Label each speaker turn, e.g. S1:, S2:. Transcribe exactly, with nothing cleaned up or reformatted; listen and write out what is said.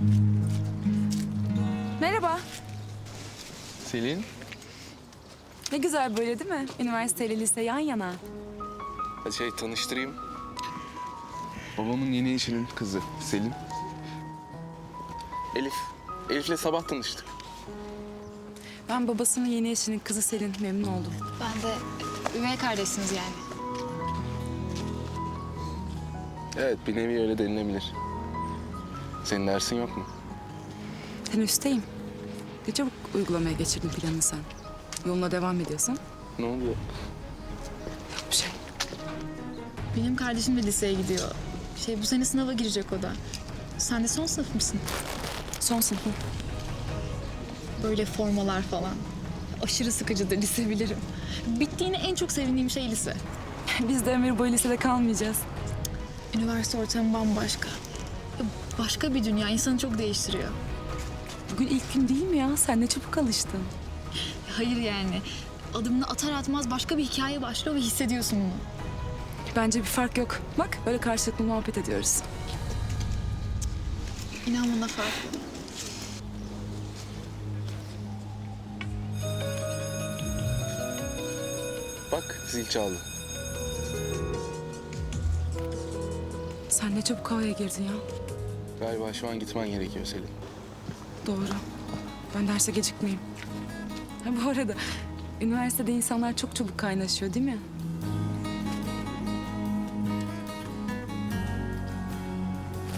S1: Merhaba.
S2: Selin,
S1: Ne güzel böyle değil mi? Üniversiteyle lise yan yana.
S2: hadi şey tanıştırayım. Babamın yeni eşinin kızı Selin. Elif. Elif'le sabah tanıştık.
S1: Ben babasının yeni eşinin kızı Selin. Memnun oldum.
S3: Ben de üvey kardeşsiniz yani.
S2: Evet, bir nevi öyle denilebilir. Senin dersin yok mu?
S1: Teneffüsteyim. Ne çabuk uygulamaya geçirdin planını sen. Yoluna devam ediyorsun.
S2: Ne oluyor?
S1: Yok bir şey.
S3: Benim kardeşim de liseye gidiyor. Şey bu sene sınava girecek o da. Sen de son sınıf mısın?
S1: Son sınıfım.
S3: Böyle formalar falan. Aşırı sıkıcıdır lise bilirim. Bittiğine en çok sevindiğim şey lise.
S1: Biz de ömür boyu lisede kalmayacağız.
S3: Üniversite ortamı bambaşka. Başka bir dünya insanı çok değiştiriyor.
S1: Bugün ilk gün değil mi ya? Sen ne çabuk alıştın.
S3: Hayır yani. Adımını atar atmaz başka bir hikaye başlıyor ve hissediyorsun bunu.
S1: Bence bir fark yok. Bak böyle karşılıklı muhabbet ediyoruz.
S3: İnan bana farklı.
S2: Bak, zil çaldı.
S1: Sen ne çabuk havaya girdin ya.
S2: Galiba şu an gitmen gerekiyor Selin.
S1: Doğru. Ben derse gecikmeyeyim. Ha, bu arada üniversitede insanlar çok çabuk kaynaşıyor değil mi?